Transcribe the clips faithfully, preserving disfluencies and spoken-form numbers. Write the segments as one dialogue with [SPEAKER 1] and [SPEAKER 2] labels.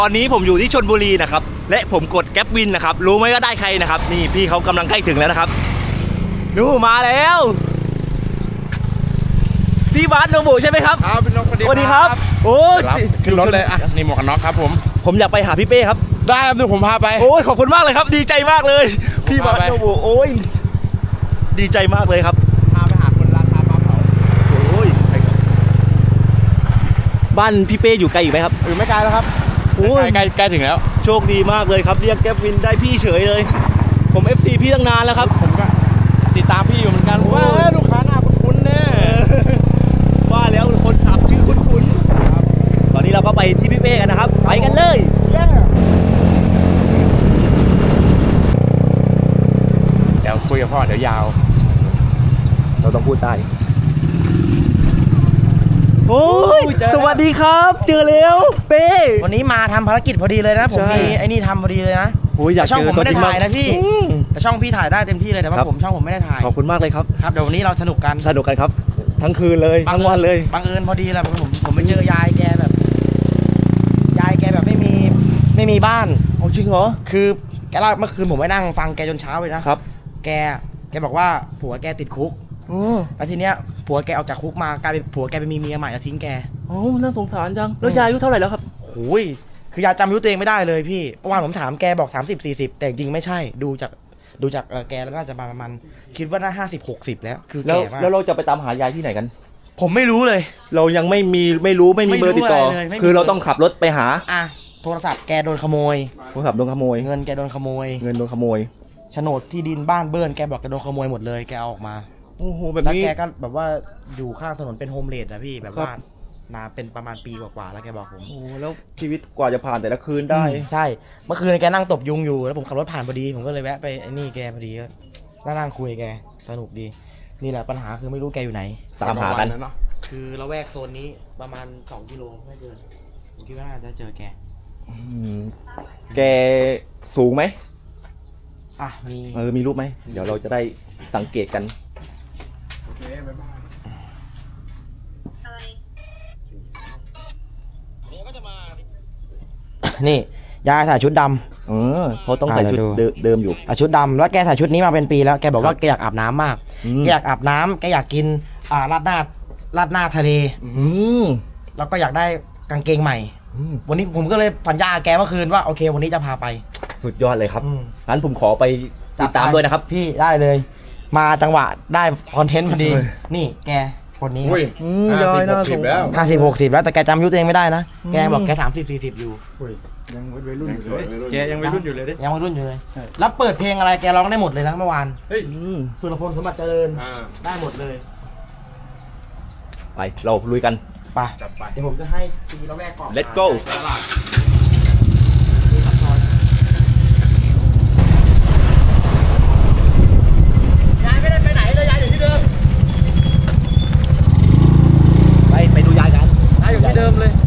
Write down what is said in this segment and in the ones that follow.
[SPEAKER 1] ตอนนี้ผมอยู่ที่ชลบุรีนะครับและผมกดแก๊ปวินนะครับรู้ไหมว่าได้ใครนะครับนี่พี่เขากำลังใกล้ถึงแล้วนะครับนู่มาแล้วพี่บาสโนบุใช่ไหมครับ
[SPEAKER 2] ครับพี่นกสวัสดี
[SPEAKER 1] ครับโอ้ย
[SPEAKER 2] ขึ้นรถเลยอ่ะนี่หมวกกันน็อกครับผม
[SPEAKER 1] ผมอยากไปหาพี่เป้ครับ
[SPEAKER 2] ได้ครับเดี๋ยวผมพาไป
[SPEAKER 1] โอ้ยขอบคุณมากเลยครับดีใจมากเลยพี่บาสโนบุโอ้ยดีใจมากเลยครับ
[SPEAKER 2] พาไปหาคนราคาปลาเผา
[SPEAKER 1] โอ้ยบ้านพี่เป้อยู่ไกลอยู่ไหมครับ
[SPEAKER 2] อยู่ไม่ไกลแล้วครับโอ้ยใกล้ใกล้ถึงแล้ว
[SPEAKER 1] โชคดีมากเลยครับเรียกแก๊ปวินได้พี่เฉยเลยผม เอฟ ซี พี่ตั้งนานแล้วครับ
[SPEAKER 2] ผมก็ติดตามพี่อยู่เหมือนกันว่าลูกค้าหน้าคุ้นๆแน่
[SPEAKER 1] ว่าแล้วคนขับชื่อคุ้นๆตอนนี้เราก็ไปที่พี่เป้กันนะครับไปกันเลย
[SPEAKER 2] เดี๋ยวคุยกับพ่อเดี๋ยวยาว
[SPEAKER 1] เราต้องพูดได้โอ้ยสวัสดีครับเจอแล้วเป้
[SPEAKER 3] วันนี้มาทำภารกิจพอดีเลยนะผมมีไอ้นี่ทำพอดีเลยนะช่องผมไม่ได้ถ่ายนะพี่แต่ช่องพี่ถ่ายได้เต็มที่เลยแต่ว่าผมช่องผมไม่ได้ถ่าย
[SPEAKER 1] ขอบคุณมากเลยครับ
[SPEAKER 3] ครับเดี๋ยววันนี้เราสนุกกัน
[SPEAKER 1] สนุกกันครับทั้งคืนเลยทั้งวันเลย
[SPEAKER 3] บังเอิญพอดีแหละผมผมไปเจอยายแกแบบยายแกแบบไม่มีไม่มีบ้าน
[SPEAKER 1] เอาจริงเหรอ
[SPEAKER 3] คือแกเล่าเมื่อคืนผมไปนั่งฟังแกจนเช้าเลยนะครับแกแกบอกว่าผัวแกติดคุกแล้วทีเนี้ยผัวแกออกจากคุกมากลายเป็นผัวแกไปมีเมียใหม่แล้วทิ้งแก
[SPEAKER 1] โอ้น่าสงสารจังแล้วยายอายุเท่าไหร่แล้วครับ
[SPEAKER 3] โอ้ยคือยายจำอายุตัวเองไม่ได้เลยพี่เมื่อวานผมถามแกบอกสามสิบสี่สิบแต่จริงไม่ใช่ดูจากดูจากแกแล้วน่าจะประมาณคิดว่าน่าห้าสิบหกสิบแล้วคือแกมาก
[SPEAKER 1] แล้วเราจะไปตามหายายที่ไหนกัน
[SPEAKER 3] ผมไม่รู้เลย
[SPEAKER 1] เรายังไม่มีไม่รู้ไม่มีเบอร์ติดต่อคือเราต้องขับรถไปหา
[SPEAKER 3] อ่ะโทรศัพท์แกโดนขโมย
[SPEAKER 1] โทรศัพท์โดนขโมย
[SPEAKER 3] เงินแกโดนขโมย
[SPEAKER 1] เงินโดนขโมย
[SPEAKER 3] โฉนดที่ดินบ้านเบิ้ลแกบอกแกโดนขโมยหมดเลยแกเอาออกมา
[SPEAKER 1] โอ้โหแบบนี้
[SPEAKER 3] แล้วแกก็แบบว่าอยู่ข้างถนนเป็นโฮมเลดนะพี่แบบว่านาเป็นประมาณปีกว่าๆแล้วแกบอกผม
[SPEAKER 1] โอ้แล้วชีวิตกว่าจะผ่านแต่ละคืนได้
[SPEAKER 3] ใช่เมื่อคืนแกนั่งตบยุงอยู่แล้วผมขับรถผ่านพอดีผมก็เลยแวะไปไอ้นี่แกพอดีก็นั่งคุยแกสนุกดีนี่แหละปัญหาคือไม่รู้แกอยู่ไหน
[SPEAKER 1] ตามหากัน
[SPEAKER 3] คือละแวกโซนนี้ประมาณสองกิโลไม่เกินผมคิดว่าน่าจะเจอแก
[SPEAKER 1] แกสูงไหม
[SPEAKER 3] อ่ะมี
[SPEAKER 1] เออมีรูปไหมเดี๋ยวเราจะได้สังเกตกัน
[SPEAKER 2] โอเคบ๊ายบาย
[SPEAKER 3] นี่ยายใส่ชุดดำ
[SPEAKER 1] เออเขาต้องใส่ชุดเดิมอยู่
[SPEAKER 3] ชุดดำแล้วแกใส่ชุดนี้มาเป็นปีแล้วแกบอกว่าแกอยากอาบน้ำมากแกอยากอาบน้ำแกอยากกินอ่าราดหน้าราดหน้าทะเลแล้วก็อยากได้กางเกงใหม่วันนี้ผมก็เลยสัญญาแกเมื่อคืนว่าโอเควันนี้จะพาไป
[SPEAKER 1] สุดยอดเลยครับงั้นผมขอไปติดตามด้วยนะครับ
[SPEAKER 3] พี่ได้เลยมาจังหวะได้คอนเทนต์พอดีนี่แกคนนี้
[SPEAKER 1] ยายน่าสงสาร
[SPEAKER 3] ห้าสิบหกสิบแล้วแต่แกจำอายุตัวเองไม่ได้นะแกบอกแกสามสิบสี่สิบอยู่
[SPEAKER 2] ยังวัยรุ่นอยู่เลยแกยังวัยรุ่นอยู่เลยดิ
[SPEAKER 3] ยังวัยรุ่นอยู่เลยแล้วเปิดเพลงอะไรแกร้องได้หมดเลยนะเมื่อวาน
[SPEAKER 2] เฮ้ย
[SPEAKER 3] สุรพลสมบัติเจริญได้หมดเลย
[SPEAKER 1] ไปเราลุยกัน
[SPEAKER 3] ไปจับไปเดี๋ยวผมจะให้ตีละแวกก่อน
[SPEAKER 1] Let's go
[SPEAKER 3] ยายไม่ได้ไปไหนเลยยายอยู่ที่เดิม
[SPEAKER 1] ไปไปดูยายกัน
[SPEAKER 3] ยายอยู่ที่เดิมเลย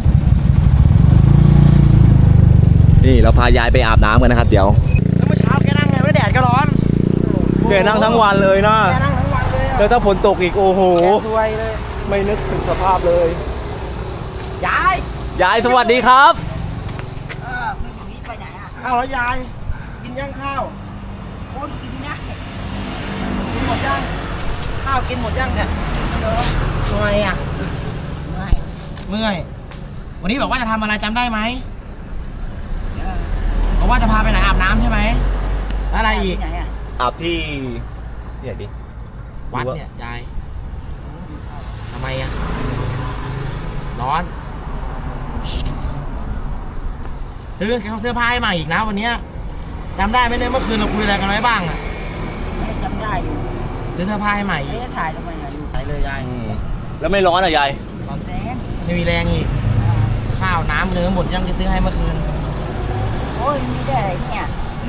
[SPEAKER 1] นี่เราพายายไปอาบน้ำกันนะครับเดี๋ยว
[SPEAKER 3] แล้วเมื่อเช้าแกนั่งไงไม่แดดก็ร้อน
[SPEAKER 1] แกนั่งทั้งวันเลยนะ
[SPEAKER 3] แกนั่งทั้งวันเลย
[SPEAKER 1] แล้วถ้าฝนตกอีกโอ้โห
[SPEAKER 3] สวยเลย
[SPEAKER 1] ไม่นึกถึงสภาพเลย
[SPEAKER 3] ยาย
[SPEAKER 1] ยายสวัสดีครับ
[SPEAKER 4] เออไม่อยู่นี่ไปไหนอ่ะ
[SPEAKER 3] อ้าวแล้วยายกินยังข้าว
[SPEAKER 4] โอ้ยกินนะ
[SPEAKER 3] กินหมดยังข้าวกินหมดยังเนี่ยเมื่อยอ่ะ
[SPEAKER 4] เมื่อย
[SPEAKER 3] เมื่อยวันนี้บอกว่าจะทำอะไรจำได้ไหมบอกว่าจะพาไปไหนอาบน้ำใช่ไหมอะไรอีก
[SPEAKER 1] อาบที่ที่ไหนดิ
[SPEAKER 3] วัดเนี่ยยายทำไมอ่ะร้อนซื้อเขาเสื้อผ้าให้ใหม่อีกนะวันนี้จำได้ไหมเนี่ยเมื่อคืนเราคุยอะไรกันไว้บ้างอ่ะ
[SPEAKER 4] ไม่จำได้อยู่
[SPEAKER 3] ซื้อเสื้อผ้าให้ใหม่
[SPEAKER 4] ไม่ได้ถ่ายทำไมอ่ะ
[SPEAKER 3] ถ่ายเลยยาย
[SPEAKER 1] แล้วไม่ร้อนอ่ะยาย
[SPEAKER 4] ร้อนแรง
[SPEAKER 3] ไม่มีแรงอีกข้าวน้ำเนื้อหมดยังจะซื้อให้เมื่อคืน
[SPEAKER 4] โอ้ยไม่ได้เนี่ย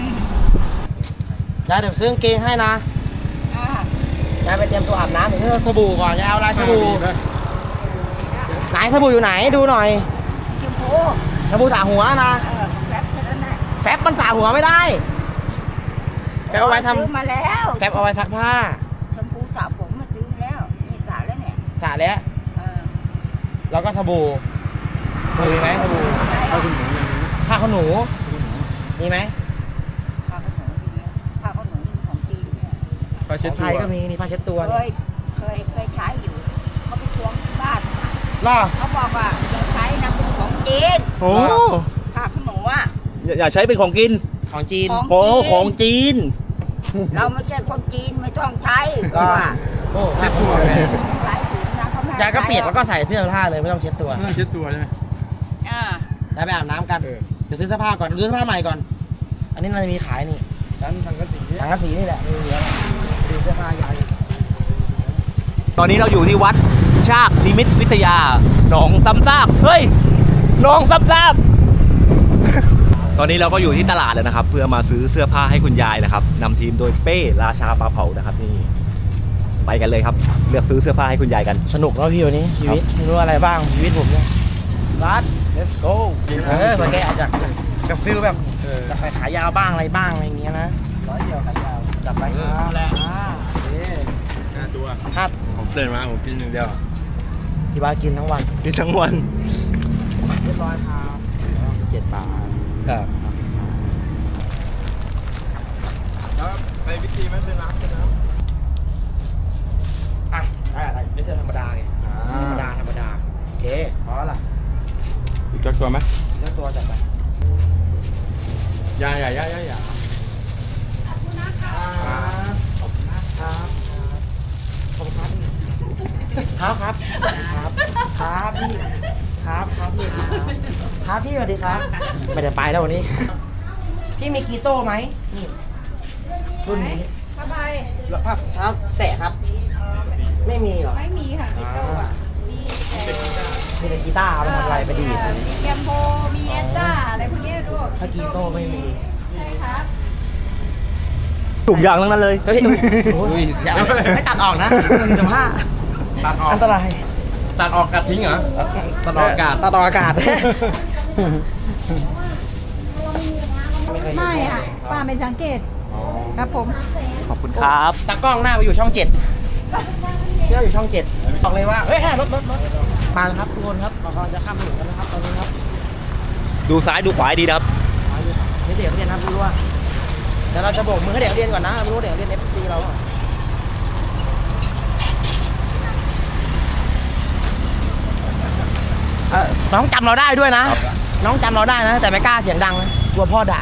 [SPEAKER 3] ยายเดี๋ยวซื้อกางเกงให้นะยายไปเตรียมตัวอาบน้ำถึงสบู่ก่อนยายเอาอะไรสบู่ไหนสบู่อยู่ไหนดูหน่อย
[SPEAKER 4] ชมพู
[SPEAKER 3] สบู่สระหัวนะ
[SPEAKER 4] แฟบแค่นั้นแหละ
[SPEAKER 3] แฟบมันสระหัวไม่ได้แฟบเอาไว้ทำ
[SPEAKER 4] ซื้อมาแล้ว
[SPEAKER 3] แฟบเอาไว้ซักผ้า
[SPEAKER 4] ชมพูสระผมมาซื้อมาแล้วนี่สระแล้วเนี่ย
[SPEAKER 3] สระแล้วแล้วก็สบู่มีไหมสบู่
[SPEAKER 4] เอาคุณหมู
[SPEAKER 3] ผ้าขนหนูมีไหม
[SPEAKER 4] ผ้าขนหนูดีผ้าขนหนูนี่ของจีนเนี่ย
[SPEAKER 2] ผ้า
[SPEAKER 3] ข
[SPEAKER 2] เช็ด
[SPEAKER 3] องไท
[SPEAKER 2] ตัวย
[SPEAKER 3] ก็มีนี่ผ้าเช็ดตัว
[SPEAKER 4] เคยเคยเคยใช้อยู่เขาไปทวงที่บ้านมา
[SPEAKER 3] ล่อ
[SPEAKER 4] เขาบอกว่าอย่าใช้นะเป็นของจีน
[SPEAKER 1] โอ้
[SPEAKER 4] ผ้าขนหนูอ่ะ
[SPEAKER 1] อย่าอย่าใช้เป็นของกิน
[SPEAKER 3] ของจีน
[SPEAKER 4] ของ
[SPEAKER 1] โอ้ของจีน
[SPEAKER 4] เราไม่ใช่คนจีนไม่ต้องใช้เพราะว่า
[SPEAKER 3] โอ้เช็ดตัว
[SPEAKER 4] หลายถุงนะเขาไม่ให้
[SPEAKER 3] ยายก็เปียก
[SPEAKER 4] ใช้
[SPEAKER 3] แล้วก็ใส่เสื้อผ้าเลยไม่ต้องเช็ดตัว
[SPEAKER 2] ผ้าเช็ดตัวใช่ไหม
[SPEAKER 4] อ่า
[SPEAKER 3] ได้ไปอาบน้ำกัน
[SPEAKER 2] เออ
[SPEAKER 3] เดี๋ยวซื้อเสื้อผ้าก่อนซื้อเสื้อผ้าใหม่ก่อน อันนี้เราจะมีขายนี่
[SPEAKER 2] ร้านทางกระสี
[SPEAKER 3] ถังกระสีนี่แหละไม่มีแล้วดูเสื้อผ้ายาย
[SPEAKER 1] ตอนนี้เราอยู่ที่วัดชากนิมิตวิทยาหนองซ้ำซากเฮ้ยหนองซ้ำซาก ตอนนี้เราก็อยู่ที่ตลาดแล้วนะครับ เพื่อมาซื้อเสื้อผ้าให้คุณยายนะครับนำทีมโดยเป้ราชาปลาเผานะครับนี่ไปกันเลยครับ เลือกซื้อเสื้อผ้าให้คุณยายกัน
[SPEAKER 3] สนุกแล้วพี่วันนี้ชีวิตไม่รู้อะไรบ้างชีวิตผมเนี่ยรัด let's go เออเมื่อกี้อาจจะจะฟิลแบบ
[SPEAKER 2] เออ
[SPEAKER 3] จะไปขายาวบ้างอะไรบ้างอะไรอย่างเงี้ยนะร้อยเดียวขายาวจับไปครับแหละอ่าโอเค
[SPEAKER 2] ห้าตัว
[SPEAKER 3] ห้า
[SPEAKER 2] ผมเดินมาผมกินหนึ่างเดียว
[SPEAKER 3] ที่บ้านกินทั้งวัน
[SPEAKER 1] กินทั้งวัน
[SPEAKER 3] เรียบร้อยครับเจ็ดบาท
[SPEAKER 2] ครับแล้วไปวิธีไม่ซื้อน้ำซื้อน้
[SPEAKER 3] อ่ะได้อะไรไม่ใช่ธรรมดาไง
[SPEAKER 2] ำ
[SPEAKER 3] ธรรมดาธรรมดาโอเคพอละ
[SPEAKER 2] อีกสักตัวไหม
[SPEAKER 3] เจ้าตัวจัดไป
[SPEAKER 2] ยาอย่าย่าย่าอย่า
[SPEAKER 3] ขอบคุณนะครับขอบคุณมากครับขอบคุณครับครับครับครับครับพี่ครับครับพี่ครับครับพี่สวัสดีครับไม่ได้ไปแล้ววันนี้ พี่มีกีโต้ไหมนี่รุ่นนี้
[SPEAKER 5] ผ้าใบ
[SPEAKER 3] แล้วภาพเท้าแตะครับ ไม่มีเหรอ
[SPEAKER 5] ไม่มีค่ะกีโต้อะมีแต่
[SPEAKER 3] มีแต่กีตาร์เอาไปทำอะไรไปดีด
[SPEAKER 5] มีแกมโบมีเอสต้าอะไรพวกเนี้ยลูก
[SPEAKER 3] ถ้ากีโต้ไม่มี
[SPEAKER 5] ใช่ครับ
[SPEAKER 1] ถูกอย่างทั้งนั้นเลย
[SPEAKER 3] เฮ้ยโอ้ยอย่าไม่ตัดออกนะหนึ่งจุดห้า
[SPEAKER 2] ตัดออก
[SPEAKER 3] อันตราย
[SPEAKER 2] ตัดออกกัดทิ้งเหรอ ตัดออกอากาศ
[SPEAKER 3] ตัดออกอากาศ
[SPEAKER 5] ไม่ค่ะป้าไม่สังเกตครับผม
[SPEAKER 1] ขอบคุณครับ
[SPEAKER 3] ตากล้องหน้าไปอยู่ช่องเจ็ดเที่ยวอยู่ช่องเจ็ดบอกเลยว่า เฮ้ยรถรถรถมาแล้วครับทุกคนครับเรากำลังจะข้ามถนนกันนะครับตอนนี้ครับ
[SPEAKER 1] ดูซ้ายดูขวาให้ดีนะครับ
[SPEAKER 3] นี่เด็กเรียนครับไม่รู้ว่าเดี๋ยวเราจะโบกมือให้เด็กเรียนก่อนนะไม่รู้เด็กเรียนเอฟซีเราเอ่อน้องจำเราได้ด้วยนะ น้องจำเราได้นะ แต่ไม่กล้าเสียงดังนะกลัวพ่อด่า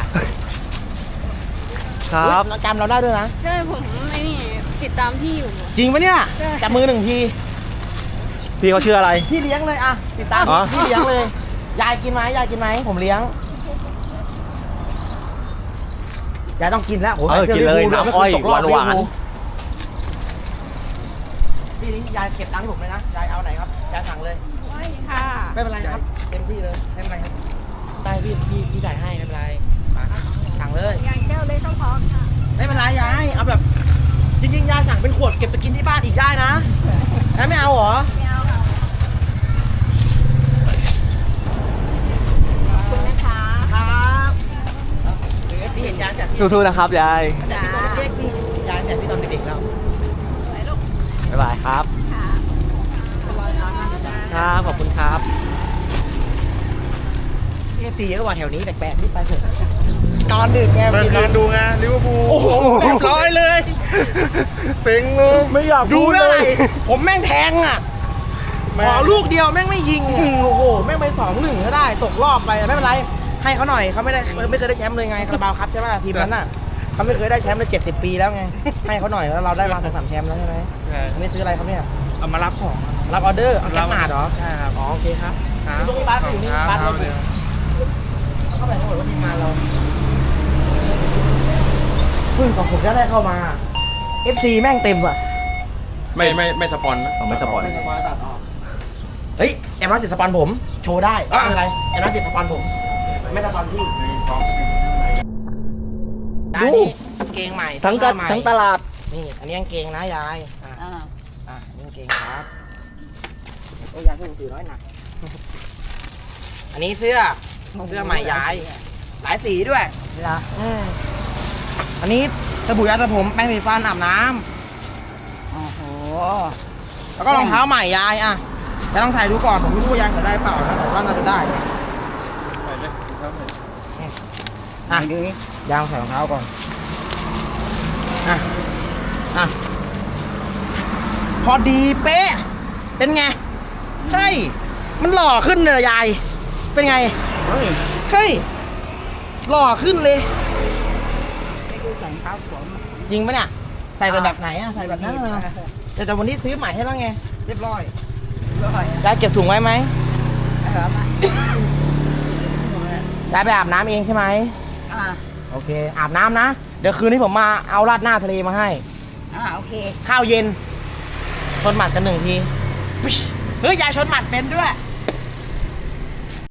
[SPEAKER 1] ครับ
[SPEAKER 3] น้องจำเราได้ด้วยนะ
[SPEAKER 5] ใช่ผมไม่นี่ติดตามพี่อยู่
[SPEAKER 3] จริงปะเนี่ย
[SPEAKER 5] ใช่
[SPEAKER 3] จับมือหนึ่งที
[SPEAKER 1] พี่เขาชื่ออะไร
[SPEAKER 3] พี่เลี้ยงเลยอ่ะติดตาม
[SPEAKER 1] อ๋อ
[SPEAKER 3] พี่เลี้ยงเลย ยายกินไหมยายกินไหมผมเลี้ยงยายต้องกินแล้วโอ้โห
[SPEAKER 1] เออ
[SPEAKER 3] สื้
[SPEAKER 1] กินเลย
[SPEAKER 3] ลิวพู
[SPEAKER 1] น้ำอ้อย
[SPEAKER 3] ไม่เคตกรบ
[SPEAKER 1] หวานๆ
[SPEAKER 3] ลิเวอร์พูลพี่นี่ยายเก็บตังค์ให้ผมเลยนะยายเอาไหนครับยายสั่งเลย
[SPEAKER 5] ไม่ค่ะ
[SPEAKER 3] ไม่เป็นไรครับเต็มที่เลยไม่เป็นไรครับได้พี่พี่พี่จ่ายให้ไม่เป็นไรมาสั่งเลย
[SPEAKER 5] งานแก้วเล็กต้องพอค่ะ
[SPEAKER 3] ไม่เป็นไรยายเอาแบบจริงๆยายสั่งเป็นขวดเก็บไปกินที่บ้านอีกได้นะแล้วไม่เอาเหรอ
[SPEAKER 5] ไม่เอาค่ะขอบคุณนะคะ
[SPEAKER 3] ครับเดี๋ยวพี่เห็นยายจากพี่
[SPEAKER 1] สู้ๆนะครับยาย
[SPEAKER 3] แต่พี่ตอนเด็กๆพี่ยายแต่พี่ตอนเด็กๆแล้ว
[SPEAKER 1] บ๊ายบายครับ ครับขอบคุณครับ
[SPEAKER 3] เอฟซีก็ว่าแถวนี้แปลกๆนี่ไปเถอะนอนดึกไง
[SPEAKER 2] เปิดการดูไงลิเวอร์พูล
[SPEAKER 3] โอ้โหเรียบร้อยเลย
[SPEAKER 2] เซ็งเลย
[SPEAKER 1] ไม่อยาก
[SPEAKER 3] ดู
[SPEAKER 1] พูด
[SPEAKER 3] ไม่
[SPEAKER 1] เล
[SPEAKER 3] อะไร
[SPEAKER 1] ย
[SPEAKER 3] ผมแม่งแทงอ่ะ
[SPEAKER 2] แม่
[SPEAKER 3] ขอลูกเดียวแม่งไม่ยิงอ่ะโอ้โหแม่งไปสองหนึ่งก็ได้ตกรอบไปไม่เป็นไรให้เขาหน่อยเขาไม่ได้ไม่เคยได้แชมป์เลยไงคาราบาวครับใช่ไหมทีมนั้นน่ะเขาไม่เคยได้แชมป์เลยเจ็ดสิบปีแล้วไงให้เขาหน่อยแล้วเราได้มาสองสามแชมป์แล้วใช่ไหม
[SPEAKER 2] ใช่
[SPEAKER 3] อันนี้ซื้ออะไรครับเนี่ย
[SPEAKER 2] เอามารับของ
[SPEAKER 3] รับออเดอร์เอาแก๊ปมาเหรอ
[SPEAKER 2] ใช่ครับ
[SPEAKER 3] อ๋อโอเคครับ
[SPEAKER 2] ครับ
[SPEAKER 3] ตรงนี้บ้านอยู่นี่บ้าน
[SPEAKER 2] ค
[SPEAKER 3] เรา
[SPEAKER 2] รับเดี๋ยว
[SPEAKER 3] เข้าไปทั้งหมดว่าทีมงานเราเพิ่งของผมจะได้เข้ามา เอฟ ซี แม่งเต็มว่ะ
[SPEAKER 2] ไม่ไม่ไม่สปอนนะ
[SPEAKER 1] เอาไม่สปอน
[SPEAKER 3] เฮ้ยแอมรัสติดสปอนผม โชว์ได้ไม่เป็นไรแอมรัสติดสปอนผม ไม่สปอนพี่
[SPEAKER 1] ดู
[SPEAKER 3] ดูกางเกงใหม่
[SPEAKER 1] ทั้งกะ
[SPEAKER 3] เสื้อใหม่
[SPEAKER 1] ทั้งตลาด
[SPEAKER 3] นี่ อันนี้กางเกงนะยายอ่ะ
[SPEAKER 4] อ่า
[SPEAKER 3] อ่ะนี่กางเกงครับโอ้ยยายเพิ่งถือน้อยหนัก อันนี้เสื้อ เสื้อใหม่ยาย หลายสีด้วย
[SPEAKER 4] เหรอ
[SPEAKER 3] อืมอันนี้สบู่ยาสระผมแป้งสีฟันอาบน้ำ
[SPEAKER 4] โอ้โห
[SPEAKER 3] แล้วก็รองเท้าใหม่ยายอ่ะแต่ต้องใส่ดูก่อนผมไม่รู้ว่ายายใส่ได้เปล่านะแต่ว่าน่าจะได้
[SPEAKER 2] ไปเลยครับ
[SPEAKER 3] อ่ะ
[SPEAKER 4] ดูนี่
[SPEAKER 3] ยางใส่รองเท้าก่อน อ่ะ อ่ะ พอดีเป๊ะ เป็นไง เฮ้ย มันหล่อขึ้นเลยยาย เป็นไง
[SPEAKER 4] เฮ้ย
[SPEAKER 3] เฮ้ย หล่อขึ้นเลย
[SPEAKER 4] ไม่ดูใส่เท้าผม
[SPEAKER 3] จริงปะเนี่ย ใส่แต่แบบไหนอะใส่แบบนั้นเหรอแต่แต่วันนี้ซื้อใหม่ให้แล้วไง เรียบร้อย
[SPEAKER 4] ร้อย
[SPEAKER 3] ยายเก็บถุงไว้ไหม
[SPEAKER 4] เออมาย
[SPEAKER 3] ายไปอาบน้ำเองใช่ไหม
[SPEAKER 4] อ่า
[SPEAKER 3] โอเค อาบน้ำนะ เดี๋ยวคืนนี้ผมมาเอาราดหน้าทะเลมาให้
[SPEAKER 4] อ่าโอเค
[SPEAKER 3] ข้าวเย็น ชนหมัดกันหนึ่งที เฮ้ย ยายชนหมัดเป็นด้วย